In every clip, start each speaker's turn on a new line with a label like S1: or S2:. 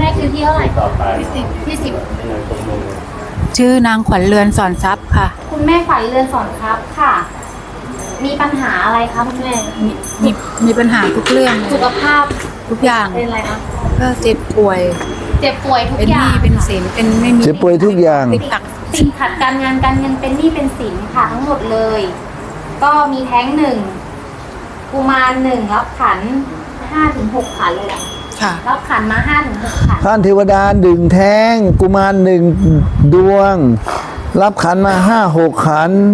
S1: ม่คิวที่เท่าไหร่ที่สิบ
S2: ชื่อนางขวัญเรือนสอนทรัพย์ค่ะ
S1: คุณแม่ฝันเรือนสอนครับค่ะ มีปัญหาอะไรคะคุณแม่
S2: มีปัญหาทุกเรื่อง
S1: สุขภาพ
S2: ทุกอย่าง
S1: เป็นอะไรคะ
S2: ก็เจ็บป่วย
S1: ทุก
S2: เป็นห
S1: อย่าง
S2: นี้เป็นสินเป็นไม่มี
S3: เจ็บป่วยทุกอย่าง
S1: ติดขัดการงานการเงินเป็นหนี้เป็นสินค่ะทั้งหมดเลย ก็มีแท้ง1กุมาร1รับขัน5-6ขันเลยแหละ
S2: ค่ะ
S1: รับขันมา5-6ขัน
S3: ท่านเทวดาดึงแท้งกุมาร1 ดวง รับขันมา5-6 ขัน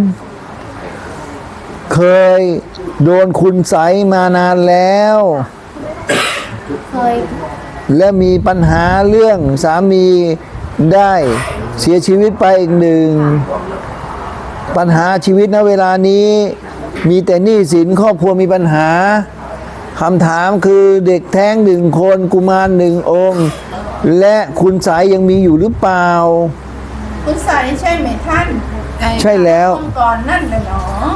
S3: เคยโดนคุณไสยมานานแล้ว
S1: เคย
S3: และมีปัญหาเรื่องสามีได้เสียชีวิตไปอีก1ปัญหาชีวิตณเวลานี้มีแต่หนี้สินครอบครัวมีปัญหาคำถามคือเด็กแท้ง1 คนกุมาร1 องค์และคุณไสยยังมีอยู่หรือเปล่า
S4: คุณไสยใช่ไหมท่าน
S3: ใช่แล้ว
S4: ก่อนนั่นเลยเนาะ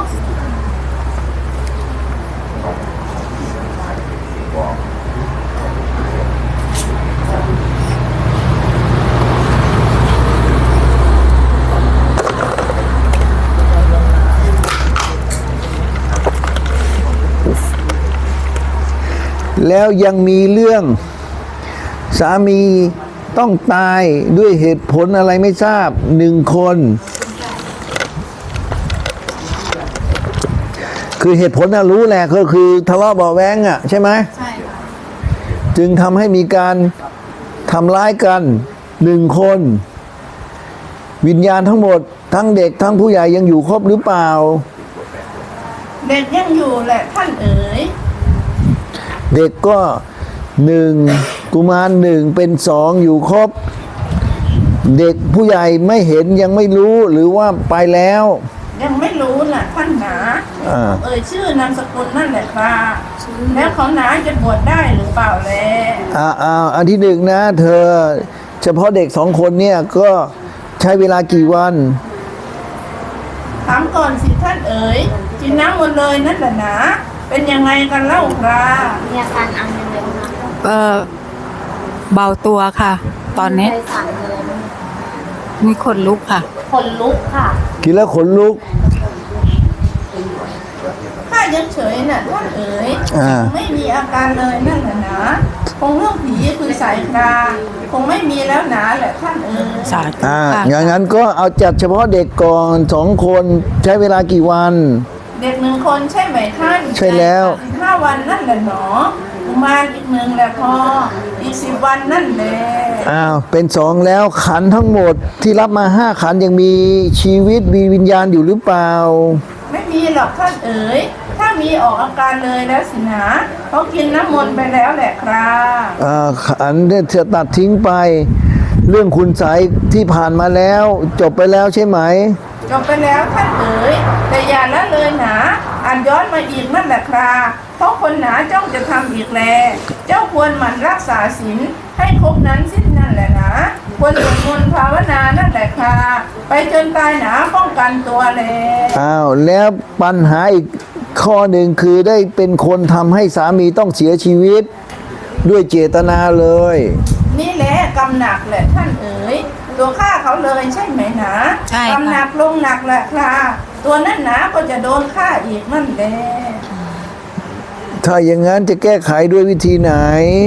S3: แล้วยังมีเรื่องสามีต้องตายด้วยเหตุผลอะไรไม่ทราบ1 คนคือเหตุผลน่ะรู้แหละก็คือทะเลาะเบาะแว้งอ่ะใช่ไหม
S2: ใช่ค่ะ
S3: จึงทำให้มีการทำร้ายกัน1 คนวิญญาณทั้งหมดทั้งเด็กทั้งผู้ใหญ่ยังอยู่ครบหรือเปล่า
S4: เด็กยังอยู่แหละท่านเอ๋ย
S3: เด็กก็1กุมาร1เป็น2อยู่ครบเด็กผู้ใหญ่ไม่เห็นยังไม่รู้หรือว่าไปแล้ว
S4: ยังไม่รู้น่ะท่านหนาชื่อนามสกุลนั่นแหละครับแล้วเขาหนาจะบวชได้หรือเปล่าแล
S3: อันที่1นะเธอเฉพาะเด็ก2 คนเนี่ยก็ใช้เวลากี่วัน
S4: ถามก่อนสิท่านเอ๋ยกินน้ำหมดเลยนั่นแหละนะเป็นยังไงกันเล่าครับ
S1: มีอาการอันยังไงคะ
S2: เบาตัวค่ะ ตอนนี้มีขนลุกค่ะ
S1: ขนลุกค่ะ
S3: กินแล้วขนลุก
S4: ข้ายังเฉยน่ะท่านเอ๋ยไม่มีอาการเลยนั่นแหละนะคงเรื่องผีคือสายคราคงไม่มีแล้วหนาแหละท่านเอ๋ย
S3: อย่างนั้นก็เอาจัดเฉพาะเด็กก่อน2 คนใช้เวลากี่วัน
S4: เด็ก1 คนใช่ไหมท่าน
S3: ใช่แล้ว
S4: 15 วันนั่นแหละหนอกุมารอีก1แหละพออีก10 วันนั่นแหละ
S3: เป็น2แล้วขันทั้งหมดที่รับมา5 ขันยังมีชีวิตมีวิญญาณอยู่หรือเปล่า
S4: ไม่มีหรอกท่านเอ๋ยถ้ามีออกอาการเลยแล้วสินะเขากินน้ำมนต์ไปแล้วแหละครับ
S3: ขันเนี่ยจะตัดทิ้งไปเรื่องคุณไสยที่ผ่านมาแล้วจบไปแล้วใช่ไหม
S4: จบไปแล้วท่านเอ๋ยแต่อย่าละเลยนะย้อนมาอีกนั่นแหละครับเพราะคนหนาจ้องจะทำอีกแลเจ้าควรหมั่นรักษาศีลให้ครบนั้นสิ้นนั่นแหละนะควรสวดมนต์ภาวนานั่นแหละค่ะไปจนตายหนาป้องกันตัวเลย
S3: แล้วปัญหาอีกข้อหนึ่งคือได้เป็นคนทำให้สามีต้องเสียชีวิตด้วยเจตนาเลย
S4: นี่แหละกรรมหนักแหละท่านเอ๋ยตัวฆ่าเขาเลยใช่ไหมนะ
S2: ใช่
S4: กรรมหนักลงหนักแหละค่ะตัวนั้นหนาก็จะโดนฆ่าอีกนั่นแหละ
S3: ถ้าอย่างนั้นจะแก้ไขด้วยวิธีไหน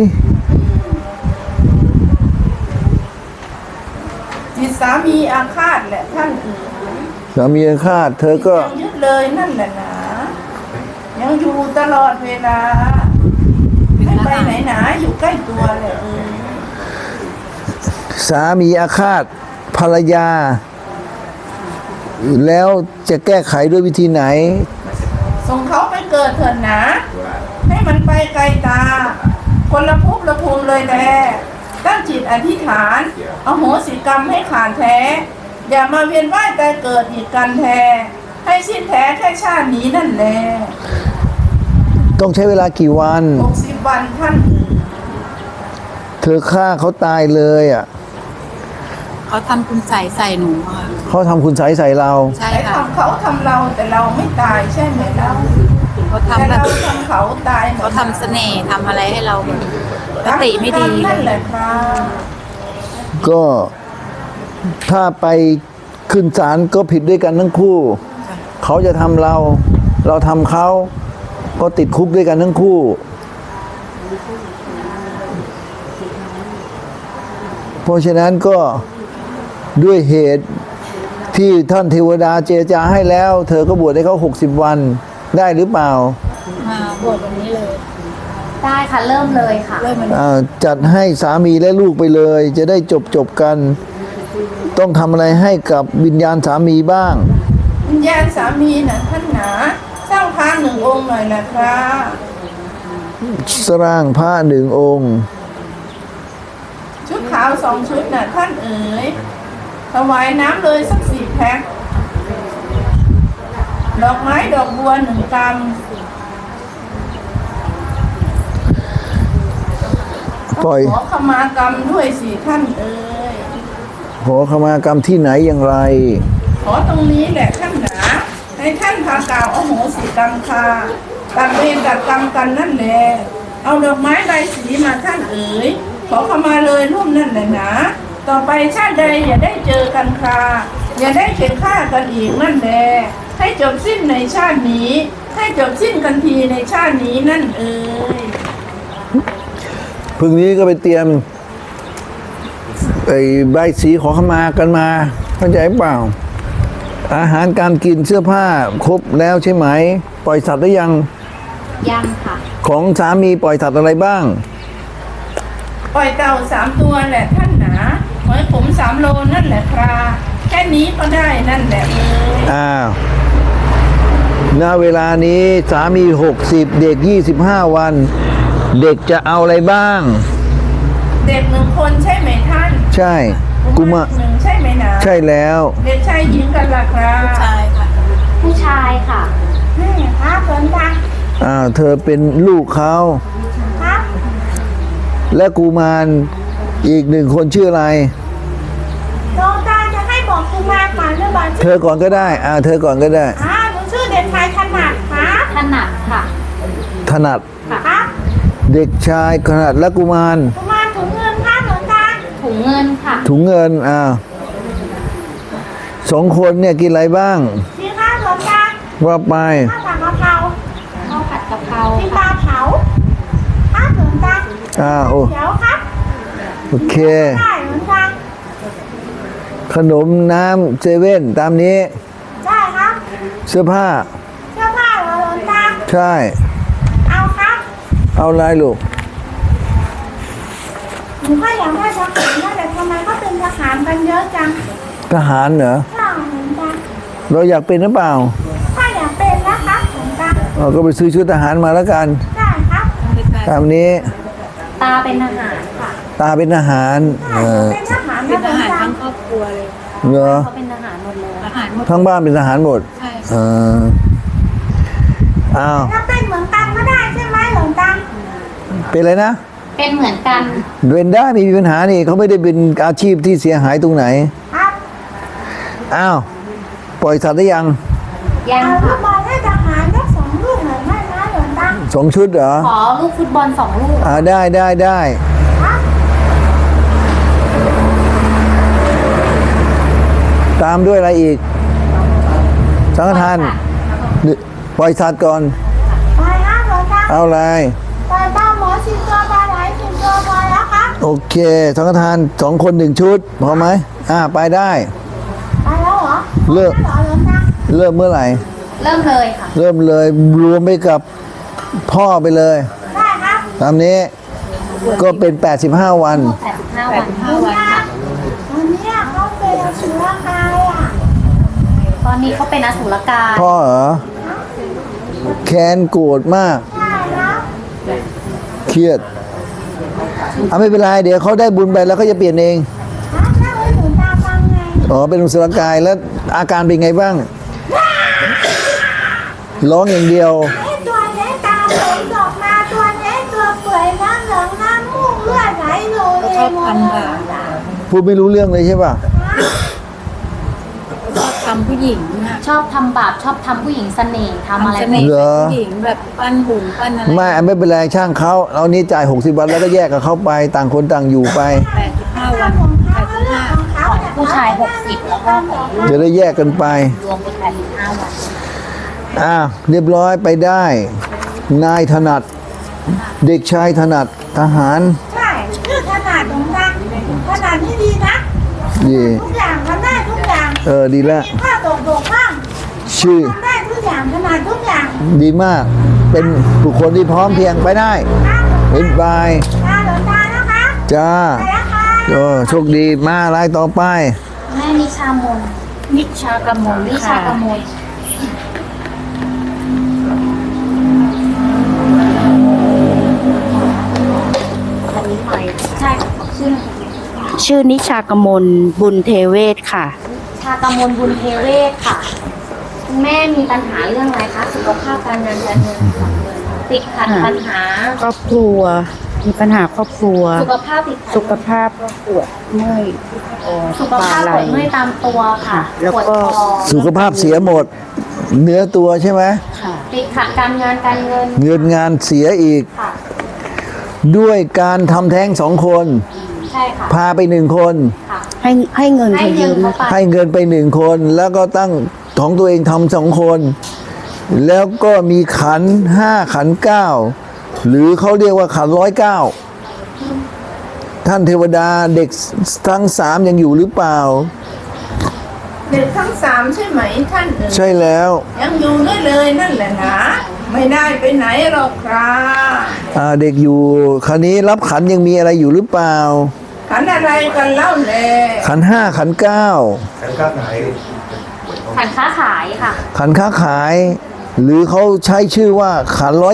S4: จิตสามีอาฆาตแหละท่านเอ๋ย
S3: สามีอาฆาตเธอก็
S4: ยังยึดเลยนั่นแหละนะยังอยู่ตลอดเวลาไม่ไปไหนหนาอยู่ใกล้ตัวเลย
S3: สามีอาฆาตภรรยาแล้วจะแก้ไขด้วยวิธีไหน
S4: ส่งเขาไปเกิดเถิดนะให้มันไปไกลตาคนละภพละภูมิเลยแลตั้งจิตอธิษฐานอโหสิกรรมให้ขาดแท้อย่ามาเวียนว่ายตายเกิดอีกกันแท้ให้สิ้นแท้แค่ชาตินี้นั่นแหละ
S3: ต้องใช้เวลากี่วัน
S4: 60 วันท่าน
S3: เธอฆ่าเขาตายเลย
S2: เขาทำคุณใส่หนูค่ะ
S3: เขาทำคุณใส่เรา
S2: ใช่ค่ะ
S4: เขาทำเราแต่เราไม่ตายใช่ไหมเรา
S2: เขาทำแบบ
S4: เขาตาย
S2: เขาทำเสน่ห์ทำอะไรให้เราสติไม่ดี
S4: นั่นแหละครับ
S3: ก็ถ้าไปขึ้นศาลก็ผิดด้วยกันทั้งคู่ เขาจะทำเรา เราทำเขา ก็ติดคุกด้วยกันทั้งคู่ เพราะฉะนั้นก็ด้วยเหตุที่ท่านเทวดาเจรจาให้แล้ว เธอก็บวชให้เขา60 วันได้หรือเปล่า
S2: มาบวชวันนี้เลย
S1: ได้ค่ะ เริ่มเลยค่ะ
S2: เริ่มมัน
S3: จัดให้สามีและลูกไปเลย จะได้จบกัน ต้องทำอะไรให้กับวิญญาณสามีบ้าง
S4: วิญญาณสามีนะท่านหนาสร้างพระหนึ่งองค์หน่อยนะครับ
S3: สร้างพระหนึ่งองค์
S4: ชุดขาว2 ชุดนะท่านเอ๋ยถวายน้ำเลยสัก4 แพ็คดอกไม้ดอกบัว1 กรัม
S3: ปล่อย
S4: ขอขมากรรมด้วยสิท่านเอ๋ย
S3: ขอขมากรรมที่ไหนอย่างไร
S4: ขอตรงนี้แหละท่านหนาให้ท่านพากล่าวอโหสิกรรมค่ะตัดเวรตัดกรรมกันนั่นแหละเอาดอกไม้ใบสีมาท่านเอ๋ยขอขมาเลยร่วมนั่นแหละนะต่อไปชาติใดอย่าได้เจอกันค่ะอย่าได้เข็นฆ่ากันอีกนั่นแหละให้จบสิ้นในชาตินี้ ให้จบสิ้นกันทีในชาตินี้นั่นเอ๋ย
S3: พรุ่งนี้ก็ไปเตรียมไอ้ใบสีขอขมากันมาเข้าใจเปล่า อาหารการกินเสื้อผ้าครบแล้วใช่ไหม ปล่อยสัตว์หรือยัง
S1: ยังค่ะ
S3: ของสามีปล่อยสัตว์อะไรบ้าง
S4: ปล่อยเต่า3 ตัวแหละท่านหนาหอยขม3 โลนั่นแหละครับแค่นี้ก็ได้นั่นแหละเอ๋ย
S3: ณเวลานี้สามี60เด็ก25 วัน เด็กจะเอาอะไรบ้าง
S4: เด็ก1 คนใช่ไหมท่าน
S3: ใช่กุมาร
S4: หนึ่งใช่ไหมนะ
S3: ใช่แล้ว
S4: เด็กชายหญิงกันล่ะครับ
S2: ชายค่ะ
S1: ผู้ชายค่ะ
S4: นี่ครับหลวงตา
S3: เธอเป็นลูกเขา
S4: ครับ
S3: และกุมารอีก1 คนชื่ออะไร
S4: หลวงตาจะให้บอกกุมารก่อนหรือบอก
S3: เธอก่อนก็ได้ เธอก่อนก็ได้
S4: หนูชื่อเด็กชายถนัดครับ
S1: ถนัดค่ะ
S3: ถนัด
S4: ครับ
S3: เด็กชายถนัดและกุมาร
S4: กุมารถุงเงินครับหลวงตา
S1: ถุงเงินค่ะ
S3: ถุงเงิน2 คนเนี่ยกินอะไรบ้าง
S4: นี่ครับหลวงตา
S3: ว่าไป
S4: ข้าวผัดกะเพรา
S1: ข้าวผัดกะเพรา
S4: กินป
S1: ค่ะ
S4: ลาเผาครับหลวงตา
S3: โอ้
S4: เดี๋ยวครับ
S3: โอเค
S4: ได้หลวงตา
S3: ขนมน้ำเซเว่นตามนี้
S4: ได้ครับ
S3: เสื้อผ้า
S4: เสื้อผ้าเหรอหลวงตา
S3: ใช่
S4: เอาครับ
S3: เอาอะไรลูก
S4: หนูก็อยากได้ทหารนะแต่ทำไมก็เป็นทหารกันเยอะจัง
S3: ทหารเหรอ
S4: ใช่หลวงตา
S3: เราอยากเป็นหรือเปล่า
S4: ถ้าอยากเป็นนะครับหลวงตา
S3: ก็ไปซื้อชุดทหารมาแล้วกัน
S4: ได้ครับ
S3: ตามนี้
S1: ตาเป็นทหารค่ะ
S3: ตาเป็นทหาร
S4: เป็นทหาร
S2: เป็
S4: นะ
S2: น
S4: หล
S2: ท
S4: วง
S2: หาร
S4: ตา
S2: ทั้งครอบครัวเลย
S3: เหรอ
S1: เขาเป็นทหารหมดเลย
S2: ทหารหมด
S3: ทั้งบ้านเป็นทหารหมด
S2: ใช่
S3: เอออ้าว
S4: ถ้าเป็นเหมือนกันก็ได้ใช่ไหมหลวงตา
S3: เป็นอะไรนะ
S1: เป็นเหมือนกัน
S3: เป็นได้ไม่มีปัญหานี่เขาไม่ได้เป็นอาชีพที่เสียหายตรงไหน
S4: ครับ
S3: อ้าวปล่อยสัตว์ได้ยัง
S1: ยัง
S4: เอาลู
S1: ค่ะ
S4: กบอลให้ทหารทั้ง2 ลูกหน่อยไหมนะหลวงตา
S3: 2 ชุดเหรอ
S1: ขอลูกฟุตบอล2 ลูก
S3: ได้
S4: ครับ
S3: ตามด้วยอะไรอีก สังฆทานปล่อยสัตว์ก่อน
S4: ไปครับหลวงตา
S3: เอาอะไร
S4: ไปบ้านหมอ10 ตัวปลาไหล10 ตัวพอแล้วครับ
S3: โอเค สังฆทาน2 คน1 ชุดพอไหมไปได้
S4: ไปแล้วเหรอ
S3: เลิก
S4: ไปแล้วเหรอหลวงตา
S3: เริ่มเมื่อไหร่
S1: เริ่มเลยค่ะ
S3: เริ่มเลยรวมไปกับพ่อไปเลย
S4: ได้ครับ
S3: ตามนี้ก็เป็น85 วัน
S1: 85 วัน
S2: 5 วันค่ะ
S4: วันนี้เขาเป็นอสุรกายอ่ะ
S1: ตอนนี้เขาเป็นอสุรกาย
S3: พ่อเหรอ แค้นโกรธมาก
S4: ได้แล้ว
S3: เครียดไม่เป็นไร เดี๋ยวเขาได้บุญไปแล้วเขาจะเปลี่ยนเอง
S4: ครับแล้วให้หลวงตาฟังไง
S3: เป็นอุสรกายแล้วอาการเป็นไงบ้าง ร้องอย่างเดียว
S4: ไอ้ตัวนี้ตาผมออกมาตัวนี้ตัวเปื่อยน้ำเหลืองน้ำมูกเลือดไหลโลเล
S2: ชอย บ
S4: หมด
S2: ทำ
S4: เล
S2: ค่ะ
S4: ย
S3: พูดไม่รู้เรื่องเลยใช่ป่ะ
S2: ชอบทำผู้หญิงค่ะ
S1: ชอบทำบาปชอบทำผู้หญิงเสน่ห์ทำอะไร
S2: เส
S1: ไม่
S2: น่ห์
S3: เหรอ
S2: ผู้หญิงแบบปั้นหุ่นปั้นอะไร
S3: ไม่เป็นไรช่างเขาเรานี้จ่าย60 วันแล้วก็แยกกับเขาไปต่างคนต่างอยู่ไป
S2: 85 วัน85
S1: ของผู้ชาย60แล้วก็ของลูก
S3: จะได้แยกกันไป
S1: รวมเป็น85วัน
S3: เรียบร้อยไปได้ นายถนัด เด็กชายถนัดทหาร
S5: ใช่ชื่อขนาดของดังขนาดนี้ดีนะ
S3: ดี
S5: ทุกอย่างทำได้ทุกอย่าง
S3: ดีแล้ว
S5: มีข้าตกบกพร่อง
S3: ชื่อ
S5: ทำได้ทุกอย่างขนาดทุกอย่าง
S3: ดีมาก เป็นบุคคลที่พร้อมเพรียงไปได้
S5: ครับ
S3: เห็นบาย
S5: ตาหลวงตานะคะ
S3: จ้า
S5: ไปแล้วค่ะ
S3: โชคดีมารายต่อไป
S1: แม่นิชามนนิชากมลนิชากมล ใช่ชื่อ
S6: ชื่อนิชากมลบุญเทเวศค่ะ
S1: ชากมลบุญเทเวศค่ะคุณแม่มีปัญหาเรื่องอะไรคะสุขภาพการงานการเงินติดขัดปัญหา
S6: ครอบครัว มีปัญหาครอบครัว
S1: สุขภาพติดขัด
S6: สุขภาพปวดเมื่อยคอ
S1: สุขภาพปวดเมื่อยตามตัวค่ะ
S6: แล้ว
S1: ปวด
S6: ก็
S1: คอ
S3: สุขภาพเสียหมด เนื้อตัวใช่ไหม
S6: ค่ะ
S1: ติดขัดการงานการเงิน
S3: เงินงานเสียอีก
S1: ค่ะ
S3: ด้วยการทำแท้ง2 คน
S1: ใช่ค่ะ
S3: พาไป1 คน
S1: ค่ะ
S6: ให้เงิน
S1: ให้
S6: เขา
S1: เงิ
S6: ยื
S1: น
S6: ม
S1: เขาไป
S3: ให้เงินไป1 คน แล้วก็ตั้งของตัวเองทำ2 คน แล้วก็มีขัน5ขัน9หรือเขาเรียกว่าขัน109ท่านเทวดาเด็กทั้ง3ยังอยู่หรือเปล่า
S4: เด็กทั้งสามใช่ไหมท่านเอ๋ย
S3: ใช่แล้ว
S4: ยังอยู่ด้วยเลยนั่นแหละนะไม่ได้ไปไหนหรอกครับ
S3: เด็กอยู่คราวนี้รับขันยังมีอะไรอยู่หรือเปล่า
S4: ขันอะไรกันเล่าแล
S3: ขัน5ขัน9
S1: ขันค้าขายค่ะ
S3: ขันค้าขาย หรือเขาใช้ชื่อว่าขัน109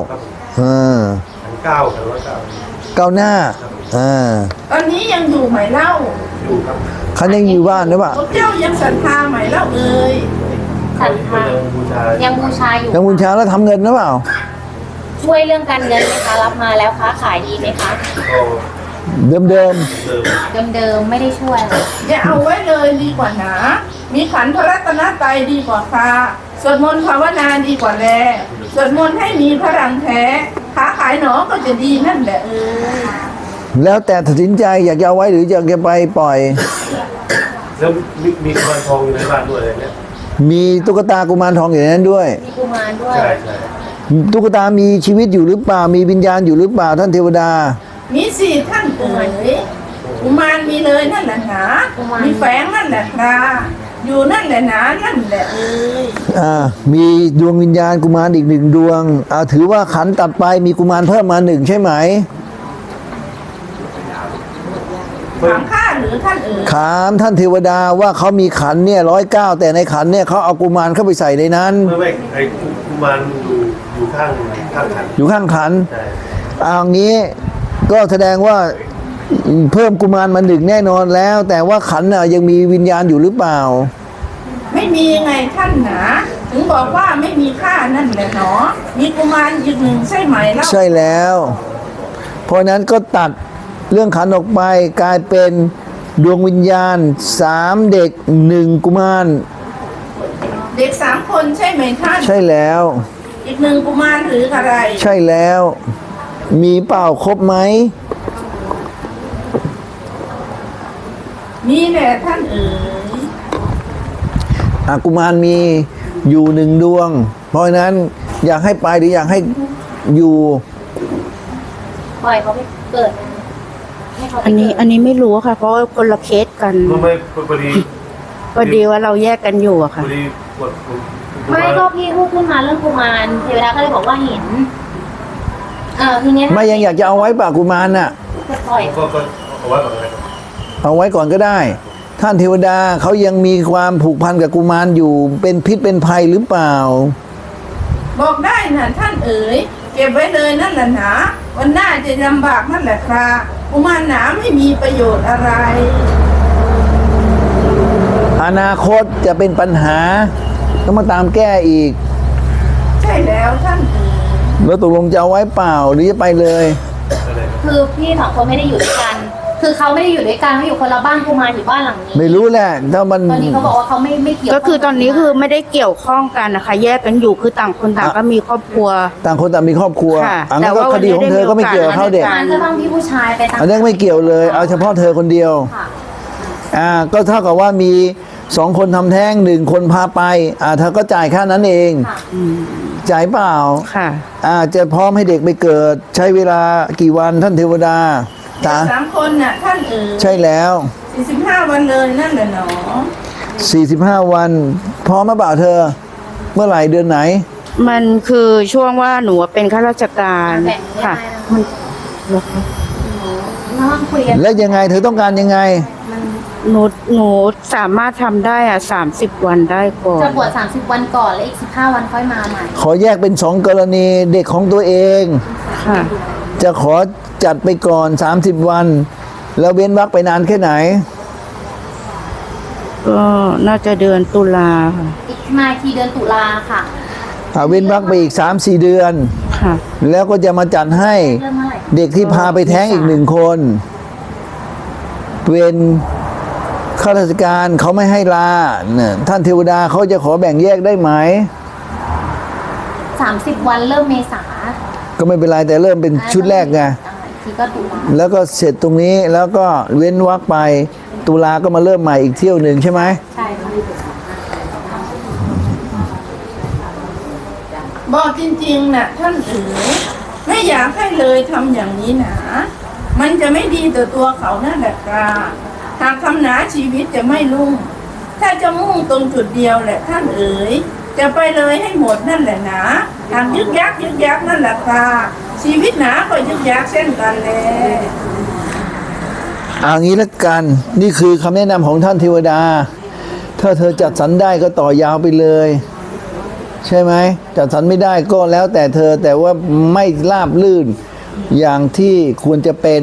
S3: ก้าวหน้า
S4: ตอนนี้ยังอยู่ไหมเล่า
S3: ขันยังอยู่บ้านหรือเปล่า
S4: พวกเจ้ายังศรัทธาไหมเล่าเอ่ย
S1: ขันค้ายังบูชาอยู่
S3: ยังบุญชาแล้วทำเงินหรือเปล่า
S1: ช่วยเรื่องการเงินไหมคะรับมาแล้วค้าขายดีไหมคะ
S3: เดิม
S1: เดิมๆไม่ได้ช่วยอะไร
S4: อย่าเอาไว้เลยดีกว่าหนามีขันพระรัตนตรัยดีกว่าค่ะสวดมนต์ภาวนาดีกว่าแลสวดมนต์ให้มีพลังแท้ค้าขายหนอก็จะดีนั่นแหละเอ่ย
S3: ๆแล้วแต่ตัดสินใจอยากจะเอาไว้หรืออยากจะไปปล่อย
S7: แล้วมีกุมารทองอยู่ในบ้านด้วยอะไรเนี่ย
S3: มีตุ๊กตากุมารทองอยู่ในนั้นด้วย
S1: มีกุมารด้วย
S7: ใช่ใช่
S3: ตุ๊กตามีชีวิตอยู่หรือเปล่า มีวิญญาณอยู่หรือเปล่าท่านเทวดา
S4: มีสี่ท่านเอ๋ยกุมารมีเลยนั่นแหละหนามีแฝงนั่นแหละครับอยู่นั่นแหละหนานั่นแหละเอ่ย
S3: มีดวงวิญญาณกุมารอีก1 ดวงถือว่าขันตัดไปมีกุมารเพิ่มมา1ใช่ไหม
S4: ถามข้าหรือท่านเอ๋ย
S3: ถามท่านเทวดาว่าเขามีขันเนี่ย109แต่ในขันเนี่ยเขาเอากุมารเข้าไปใส่ในนั้น
S7: ไม่ไอ้กุมารอยู่ข้างขัน
S3: อยู่ข้างขัน
S7: ใช่
S3: เอางี้ก็แสดงว่าเพิ่มกุมารมา1แน่นอนแล้ว แต่ว่าขันน่ะยังมีวิญญาณอยู่หรือเปล่า
S4: ไม่มีไงท่านหนาถึงบอกว่าไม่มีค่านั่นแหละหนอมีกุมารอีกหนึ่งใช่ไหมเล่า
S3: ใช่แล้ว เพราะนั้นก็ตัดเรื่องขันออกไปกลายเป็นดวงวิญญาณ3เด็ก1กุมาร
S4: เด็ก3 คนใช่ไหมท่าน
S3: ใช่แล้ว
S4: อีก1กุมารหรืออะไร
S3: ใช่แล้ว มีเปล่าครบไหม
S4: มีแหละท่านเอ๋ย
S3: กุมารมีอยู่1 ดวง เพราะฉะนั้นอยากให้ไปหรืออยากให้อยู่
S1: ปล่อยเขาไปเกิดให้เขาไป
S6: อันนี้
S1: เกิด
S6: อันนี้ไม่รู้ค่ะ เพราะว่าคนละเคสกัน
S7: ไม่พอดี
S6: พอดีว่าเราแยกกันอยู่อะ
S7: พ
S6: ค่ะ
S7: อดีกด
S1: ไม่ก็พี่พูดขึ้นมาเรื่องกุมารเทวดาก็เลยบอกว่าเห็นทีเนี้ย
S3: ไม่ยังอยากจะเอาไว้ป่ะกุมารน่ะ
S1: จะปล่อย
S7: ก็เอาไว้ก่อนเลย
S3: เอาไว้ก่อนก็ได้ ท่านเทวดาเขายังมีความผูกพันกับกุมารอยู่เป็นพิษเป็นภัยหรือเปล่า
S4: บอกได้นะท่านเอ๋ยเก็บไว้เลยนั่นแหละหนาวันหน้าจะลำบากนั่นแหละครับกุมารหนาไม่มีประโยชน์อะไร
S3: อนาคตจะเป็นปัญหาต้องมาตามแก้อีก
S4: ใช่แล้วท่านเอ๋ย
S3: แล้วตกลงจะเอาไว้เปล่าหรือจะไปเลย
S7: อะไร
S1: คือพี่2 คนไม่ได้อยู่ด้วยกันคือเขาไม่ได้อยู่ด้วยกันเขาอยู่คนละบ้านกุมารอยู่บ้านหลังนี้
S3: ไม่รู้แหละถ้ามัน
S1: ตอนนี้เขาบอกว่าเขาไม่เกี่ยว
S6: ก็คือตอนนี้คือไม่ได้เกี่ยวข้องกันนะคะ แยกกันอยู่คือต่างคนต่างก็มีครอบครัว
S3: ต่างคนต่างมีครอบครัว
S6: ค่ะ
S3: อันนั้น
S6: แต่
S3: ก็
S6: ว่า
S3: คดีของเธอก็ไม่เกี่ยวกับเขาเด็ก
S6: วันนี้
S1: มันก็ต้องพี่ผู้ชายไปตาม
S3: อันนั้นไม่เกี่ยวเลย เอาเฉพาะเธอคนเดียว
S1: ค่ะ
S3: ก็เท่ากับว่ามีสองคนทำแท้งหนึ่งคนพาไปเธอก็จ่ายแค่นั้นเอง
S1: ค่ะ
S3: จ่ายเปล่า
S6: ค่ะ
S3: จะพร้อมให้เด็กไปเกิด ใช้เวลากี่วันท่านเทวดาตา
S4: 3 คนน่ะท่านเอ๋ย
S3: ใช่แล้ว
S4: 45 วันเลยนั่นแหละหนอ
S3: 45 วัน พร้อมมาเปล่าเธอ เมื่อไหร่เดือนไหน
S6: มันคือช่วงว่าหนูเป็นข้าราชการ
S1: แบ่งเรื่อง
S6: ค่ะ
S1: ได้นะ
S6: มัน
S1: น้องคุยกัน
S3: และยังไงเธอต้องการยังไง
S6: หนูสามารถทำได้30 วันได้ก่อน
S1: จะบวช30 วันก่อนแล้วอีก15 วันค่อยมาใหม่
S3: ขอแยกเป็นสองกรณีเด็กของตัวเอง
S6: ค่ะ
S3: จะขอจัดไปก่อน30 วัน แล้วเว้นวรรคไปนานแค่ไหน
S6: ก็น่าจะเดือนตุลาค่ะ
S1: อีกมาทีเดือนตุลาค่ะ
S3: เว้นวรรคไปอีก 3-4 เดือน
S6: ค่ะ
S3: แล้วก็จะมาจัดให้
S1: เริ่มเมื่อไหร่
S3: เด็กที่พาไปแท้งอีก1 คนเป็นข้าราชการเขาไม่ให้ลาเนี่ยท่านเทวดาเขาจะขอแบ่งแยกได้ไหม
S1: 30 วันเริ่มเมษา
S3: ก็ไม่เป็นไรแต่เริ่มเป็นชุดแรกไง
S1: อีกทีก็ตุลา
S3: แล้วก็เสร็จตรงนี้แล้วก็เว้นวรรคไปตุลาก็มาเริ่มใหม่อีกเที่ยวหนึ่งใช่ไหม
S1: ใช่ค่ะ
S4: บอกจริงๆน่ะท่านเอ๋ยไม่อยากให้เลยทำอย่างนี้หนามันจะไม่ดีต่อตัวเขานั่นแหละครับหากทำหนาชีวิตจะไม่รุ่ง ถ้าจะมุ่งตรงจุดเดียวแหละท่านเอ๋ยจะไปเลยให้หมดนั่นแหละหนาหากยึกยักนั่นแหละครับชีวิตหนาก็ยึกยักเช่นกันแล
S3: เอางี้ละกัน นี่คือคำแนะนำของท่านเทวดา ถ้าเธอจัดสรรได้ก็ต่อยาวไปเลย ใช่ไหมจัดสรรไม่ได้ก็แล้วแต่เธอแต่ว่าไม่ราบลื่นอย่างที่ควรจะเป็น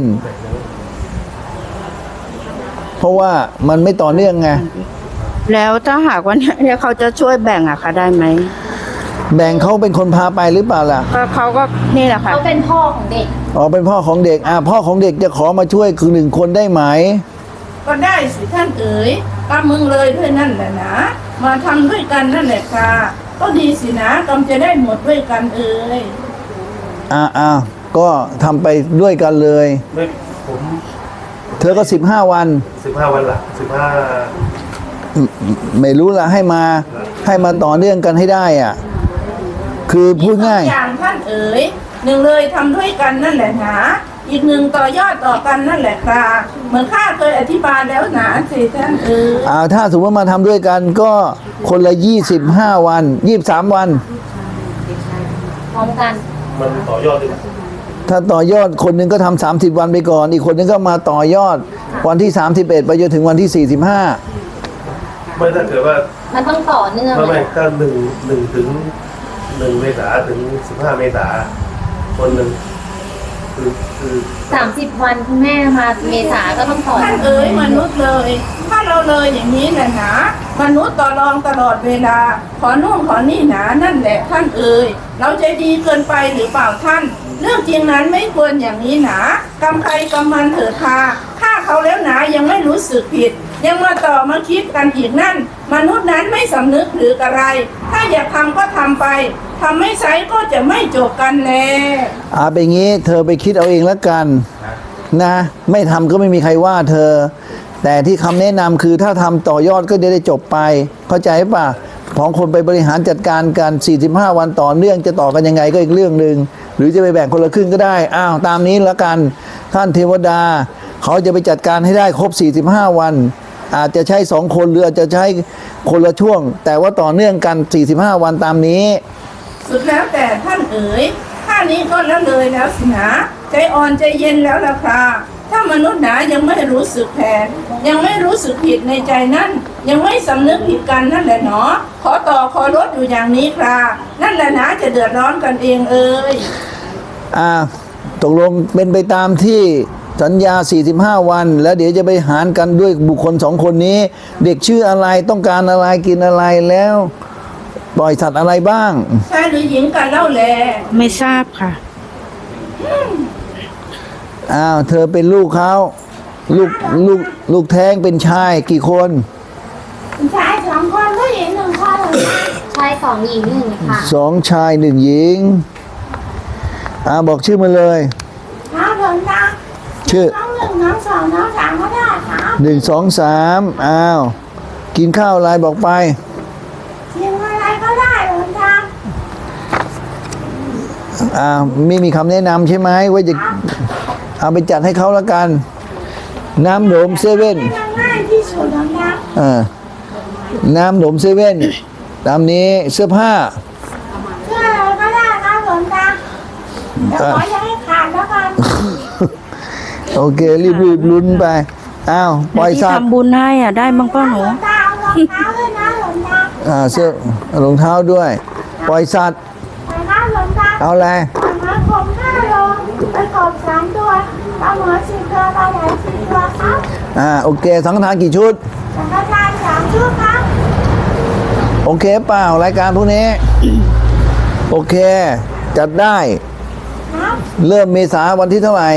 S3: เพราะว่ามันไม่ต่อเนื่องไง
S6: แล้วถ้าหากว่าเนี่ยเขาจะช่วยแบ่งอะค่ะได้ไหม
S3: แบ่งเขาเป็นคนพาไปหรือเปล่าล่ะ
S6: ก็เขาก็นี่แหละค่ะ
S1: เขาเป็นพ่อของเด็ก
S3: อ๋อเป็นพ่อของเด็กพ่อของเด็กจะขอมาช่วยคือ1 คนได้ไหม
S4: ก็ได้สิท่านเอ๋ยกำมึงเลยด้วยนั่นแหละนะมาทำด้วยกันนั่นแหละค่ะก็ดีสินะกำจะได้หมดด้วยกันเอ๋ย
S3: ก็ทำไปด้วยกันเลย
S7: ไม่ผม
S3: เธอก็15 วัน
S7: 15 วันละ
S3: ไม่รู้ละให้มาต่อเนื่องกันให้ได้อ่ะ คือพูดง่าย
S4: อีกอย่างท่านเอ๋ย1เลยทำด้วยกันนั่นแหละนะอีก1ต่อยอดต่อกันนั่นแหละค่ะเหมือนข้าเคยอธิบายแล้วนะสิท่านเอ๋ย
S3: ถ้าสมมติมาทำด้วยกันก็คนละ25 วัน23 วัน
S1: พร้อมกัน
S7: มันต่อยอดด้วย
S3: ถ้าต่อยอดคนหนึ่งก็ทำ30 วันไปก่อน อีกคนหนึงก็มาต่อยอดวันที่31ไปจนถึงวันที่45
S7: ไม่ถ้าเกิดว่า
S1: มันต้องต่อเนื่อง
S7: ไม่ก็หนึ่งถึง1 เมษาถึง15 เมษาคนหนึ่งคือ
S1: 30 วันคุณแม่มาเมษาก็ต้องต่อ
S4: ท่านเอ๋ยมนุษย์เลย ถ้าเราเลยอย่างนี้แหละนะมนุษย์ต่อรองตลอดเวลา ขอนู่นขอนี่หนานั่นแหละท่านเอ๋ยเราใจดีเกินไปหรือเปล่าท่าน เรื่องจริงนั้นไม่ควรอย่างนี้หนากำใครกำมันเถิดค่ะฆ่าเขาแล้วหนายังไม่รู้สึกผิด ยังมาต่อมาคิดกันอีกนั่น มนุษย์นั้นไม่สำนึกหรืออะไร ถ้าอยากทำก็ทำไปทำไม่ใช้ก็จะไม่จบกันแล
S3: เป็นงี้เธอไปคิดเอาเองแล้วกันนะไม่ทำก็ไม่มีใครว่าเธอ แต่ที่คำแนะนำคือถ้าทำต่อยอดก็จะได้จบไป เข้าใจป่ะของคนไปบริหารจัดการกัน45 วันต่อเนื่องจะต่อกันยังไงก็อีกเรื่องหนึ่งหรือจะไปแบ่งคนละครึ่งก็ได้ตามนี้แล้วกันท่านเทวดาเขาจะไปจัดการให้ได้ครบ45 วัน อาจจะใช้2 คนหรืออาจจะใช้คนละช่วง แต่ว่าต่อเนื่องกัน45 วันตามนี้
S4: สุดแล้วแต่ท่านเอ๋ยท่านี้ก็แล้วเลยแล้วสินะใจอ่อนใจเย็นแล้วล่ะค่ะถ้ามนุษย์หนายังไม่รู้สึกแผนยังไม่รู้สึกผิดในใจนั่นยังไม่สำนึกผิดกันนั่นแหละเนาะขอต่อขอลดอยู่อย่างนี้ค่ะนั่นแหละนะจะเดือดร้อนกันเองเอ่ย
S3: ตกลงเป็นไปตามที่สัญญา45 วันแล้วเดี๋ยวจะไปหารกันด้วยบุคคล2 คนนี้ เด็กชื่ออะไรต้องการอะไรกินอะไรแล้วปล่อยสัตว์อะไรบ้าง
S4: ชายหรือหญิงกันเล่าแล
S6: ไม่ทราบค่ะ
S3: เธอเป็นลูกเขาลูกลูกแท้งเป็นชายกี่คน
S5: ชายสองคนผู้หญิงหนึ่งคนหลวงตา
S1: ชายสองหญิงหนึ่งค่ะ
S3: สองชายหนึ่งหญิงบอกชื่อมาเลย
S5: ครับหลวงตา
S3: ชื่อ
S5: น้องหนึ่งน้องสองน้องสามก็ได้ครับ
S3: 1 2 3กินข้าวอะไรบอกไป
S5: ชิมอะไรก็ได้หลวงตา
S3: ไม่มีคำแนะนำใช่ไหมว่าจะเอาไปจัดให้เขาละกัน น้ำหนมเซเว่น
S5: ให้มันง่ายที่สุดหลวงตา
S3: น้ำหนมเซเว่นตามนี้เสื้อผ้า
S5: เชื่ออะไรก็ได้ครับหลวงตาเดี๋ยวขออย่าให้ขาดแล้วกัน
S3: โอเค รีบลุ้นไปปล่อย
S6: ที่
S3: สัตว์
S6: ทำบุญให้อ่ะได้บ้างป่ะหนู
S5: หลวงตาเอารองเท้าด้วยนะหลวงตา
S3: เสื้อรองเท้าด้วย ปล่อยสัตว์
S5: ไปครับหลวงตา
S3: เอาอะไร
S5: ปล่อยมาคม5 โลไปกบ3 ตัวปลาหมอ10 ตัวปลาไหล10 ตัวครับ
S3: โอเค สังฆทานกี่ชุด
S5: สังฆทาน3 ชุดครับ
S3: โอเคเปล่ารายการพวกนี้ โอเค จัดได้
S5: ครับ
S3: เริ่มเมษาวันที่เท่าไหร่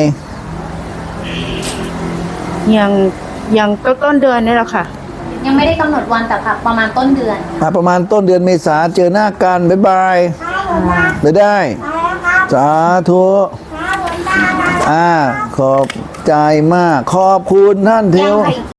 S6: ยังต้นเดือนนี่แหละค่ะ
S1: ยังไม่ได้กำหนดวันแต่ค่ะประมาณต้นเดือน
S3: ประมาณต้นเดือนเมษาเจอหน้ากัน บ๊ายบาย
S5: ครับหลวงตา
S3: ไปได้
S5: ไปแล้วครับ
S3: สาธุ
S5: ครับหลวงตา
S3: ขอบใจมาก ขอบคุณท่านเท
S1: ยัง
S3: ว
S1: ค่ะ